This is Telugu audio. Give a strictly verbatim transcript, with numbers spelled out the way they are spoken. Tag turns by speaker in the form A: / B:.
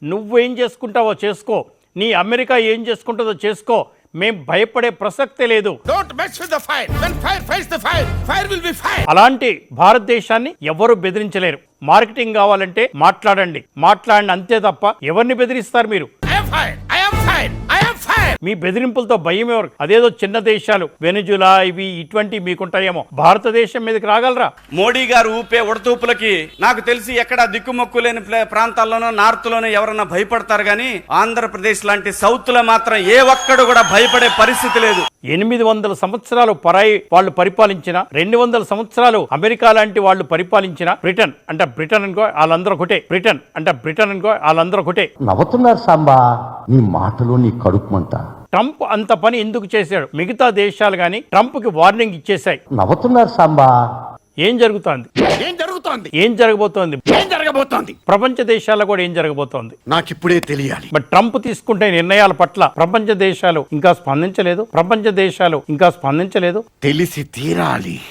A: నువ్వేం చేసుకుంటావో చేసుకో, నీ అమెరికా ఏం చేసుకుంటుందో చేసుకో, మేం భయపడే ప్రసక్తే లేదు.
B: Don't mess with the fire. When fire fights the fire, fire will be fire.
A: అలాంటి భారతదేశాన్ని ఎవరు బెదిరించలేరు. మార్కెటింగ్ కావాలంటే మాట్లాడండి, మాట్లాడండి అంతే తప్ప ఎవరిని బెదిరిస్తారు మీరు?
B: I am fire. I am fire. I am fire.
A: మీ బెదిరింపులతో భయం ఎవరు? అదేదో చిన్న దేశాలు వెనిజులా ఇవి ఇటువంటి మీకుంటాయేమో, భారతదేశం మీదకి రాగలరా?
C: మోడీ గారు ఊపే ఉడతూపులకి నాకు తెలిసి ఎక్కడ దిక్కుమొక్కు లేని ప్లే- ప్రాంతాల్లోనో నార్త్ లోనో ఎవరన్నా భయపడతారు గానీ ఆంధ్రప్రదేశ్ లాంటి సౌత్ లో మాత్రం ఏ ఒక్కడు కూడా భయపడే పరిస్థితి లేదు.
A: ఎనిమిది వందల సంవత్సరాలు పరాయి వాళ్ళు పరిపాలించిన, రెండు వందల సంవత్సరాలు అమెరికా లాంటి వాళ్ళు పరిపాలించిన, బ్రిటన్ అంటే బ్రిటన్ అనుకో వాళ్ళందరూ ఒకటే, బ్రిటన్ అంటే బ్రిటన్ అనుకో వాళ్ళందరూ ఒకటే.
D: నవ్వుతున్నారు సాంబా, నీ మాటలో నీ కడుపుమంట.
A: ట్రంప్ అంత పని ఎందుకు చేశాడు? మిగతా దేశాలు గాని ట్రంప్ కి వార్నింగ్ ఇచ్చేశాయి.
D: నవ్వుతున్నారు సాంబా.
A: ఏం జరుగుతోంది?
B: ఏం జరుగుతోంది?
A: ఏం జరగబోతోంది?
B: ఏం జరగబోతోంది?
A: ప్రపంచ దేశాల్లో కూడా ఏం జరగబోతోంది?
B: నాకిప్పుడే తెలియాలి.
A: బట్ ట్రంప్ తీసుకుంటే నిర్ణయాల పట్ల ప్రపంచ దేశాలు ఇంకా స్పందించలేదు. ప్రపంచ దేశాలు ఇంకా స్పందించలేదు.
B: తెలిసి తీరాలి.